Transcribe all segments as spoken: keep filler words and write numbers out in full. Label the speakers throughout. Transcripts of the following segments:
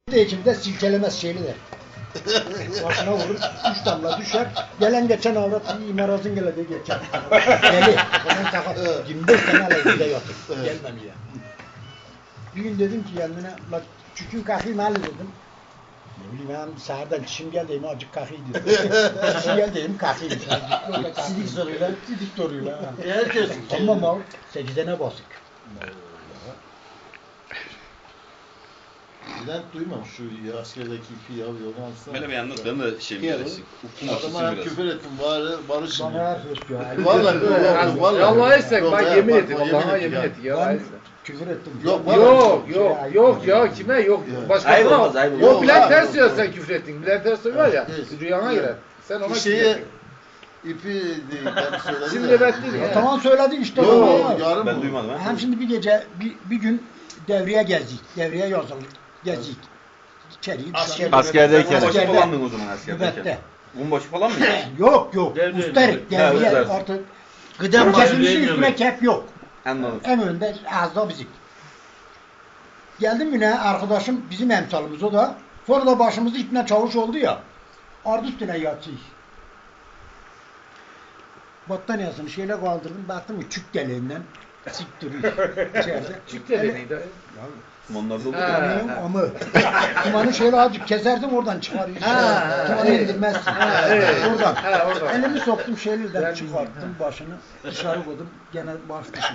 Speaker 1: İçimde silkelemez şeylidir. Başına vurur, üç damla düşer. Gelen geçen avrat iyi marazın gele de geçer. Deli. Onun sakat. yirmi beş sene aleyhinde yatır. Gelmem ya. Bir gün dedim ki kendine, la çükün kalkayım hali dedim. Ne bileyim ben sahiden çişim geldi, acık kalkayım dedim. Çişim geldi, kalkayım. Sidik soruyla. Sidik soruyla.
Speaker 2: Herkes.
Speaker 1: Tamam abi, sekizene basık.
Speaker 2: Bülent duymam şu ya, askerdeki ipi alıyor.
Speaker 3: Böyle bir anlat, ben de şey bilirsin.
Speaker 2: Adama hem küfür ettim, bari barışın.
Speaker 1: Bana her söz diyor.
Speaker 2: Vallahi vallahi vallahi.
Speaker 4: Allah etsek
Speaker 2: Yok
Speaker 4: bak
Speaker 2: ya,
Speaker 4: yemin
Speaker 2: bak,
Speaker 4: ettim.
Speaker 2: yemin
Speaker 4: Allah'a
Speaker 2: ettim
Speaker 4: yemin
Speaker 2: ya.
Speaker 4: ettik ya.
Speaker 1: Ben küfür ettim.
Speaker 2: Yok,
Speaker 1: Şey,
Speaker 4: Yok
Speaker 1: şey,
Speaker 4: yok
Speaker 1: ayıp
Speaker 4: yok
Speaker 1: ya.
Speaker 4: ya kime yok.
Speaker 2: Ya.
Speaker 4: Başkasına
Speaker 3: Ayıp
Speaker 4: yok.
Speaker 3: olmaz, ayıp olmaz.
Speaker 4: Yok
Speaker 2: Yok,
Speaker 4: Bülent
Speaker 2: abi,
Speaker 4: Ters
Speaker 2: yok.
Speaker 4: diyor sen küfür ettin. Bülent Ters var ya.
Speaker 2: Evet.
Speaker 4: Rüyana girer. Sen ona
Speaker 2: Şeyi
Speaker 4: küfür ettin.
Speaker 2: ipi değil, ben söyledim.
Speaker 4: Şimdi
Speaker 2: ya.
Speaker 4: evet değil
Speaker 1: Ya
Speaker 4: ya.
Speaker 1: tamam söyledin işte.
Speaker 2: Yok,
Speaker 1: Yok,
Speaker 2: yarın
Speaker 3: Ben
Speaker 2: bu.
Speaker 3: duymadım ha.
Speaker 1: hem şimdi bir gece, bir, bir gün devreye gezdik. Devreye yazıldık. Gezdik. İçeriği
Speaker 2: Asker-
Speaker 5: Askerdeyken.
Speaker 3: Bunbaşı
Speaker 1: Askerde.
Speaker 3: falan mı o zaman askerdeyken?
Speaker 1: Nöbette.
Speaker 3: Bunbaşı falan mı?
Speaker 1: Yok yok.
Speaker 2: Devre-
Speaker 1: Mustarik.
Speaker 3: Ha,
Speaker 1: Devreye
Speaker 3: evet.
Speaker 1: artık. Gıdem kesilmişi üstüne kep yok.
Speaker 3: Anladım.
Speaker 1: En önde az da bizim. Geldim yine arkadaşım bizim emsalımız o da. Sonra da başımızda ipne çavuş oldu ya. Ardı üstüne yatıyor. Battaniyesini şeyle kaldırdım. Baktım ki çük deliğinden sik duruyor içeride.
Speaker 4: Çık dedi neydi?
Speaker 3: Onlarda olur
Speaker 4: Ha.
Speaker 3: ya.
Speaker 1: Kumanın amı. Kumanı şöyle azıcık keserdim oradan çıkarıyor.
Speaker 4: Ha,
Speaker 1: Kumanı
Speaker 4: evet.
Speaker 1: indirmezsin.
Speaker 4: Ha, evet.
Speaker 1: Oradan.
Speaker 4: Ha, oradan.
Speaker 1: Elimi soktum şeylerden
Speaker 4: Ben
Speaker 1: çıkarttım başını. Dışarı koydum. Gene baş düşün.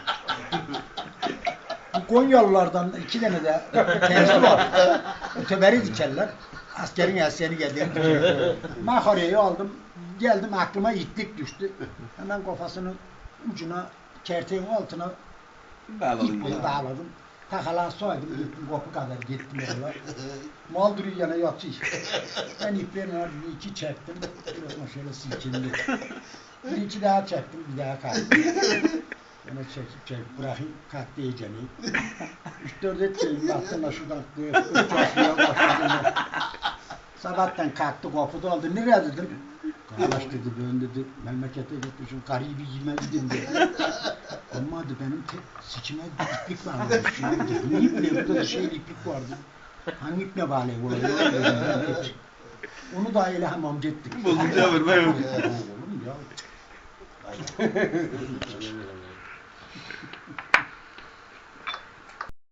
Speaker 1: Bu Konyalılardan iki tane de tersi var. Öteberi dikerler. Askerin eseri geldi. Makarayı aldım. Geldim aklıma itlik düştü. Hemen kafasının ucuna, kerteğin altına
Speaker 3: Bağladın
Speaker 1: iple
Speaker 3: bunu.
Speaker 1: bağladım. Takalan soydım, gittim kopu kadar gittim oraya. Mal duruyor yana yatıyor. Ben iplerin ardını iki çektim. Biraz şöyle silkindi. Bir iki daha çektim, bir daha kalktım. Yine çekip çekip bırakayım, kalktı iyiceni. Üç dört etçeyim, baktım da şuradan kıyıp uçaklığa başladım. Sabahtan kalktı, kopu da aldı. Nereye dedim? Kardeş dedi, ben dedi, memlekete gitmişim, karıyı bir yemedim dedi. Ama dedi, benim tek sikime bir iplik varmış. Ne ipliği? Burada da şey iplik vardı. Hangi ipne bağlı oluyor? Onu da öyle hamam ettik.
Speaker 3: Bozunca haber ben yok.
Speaker 1: Oğlum ya.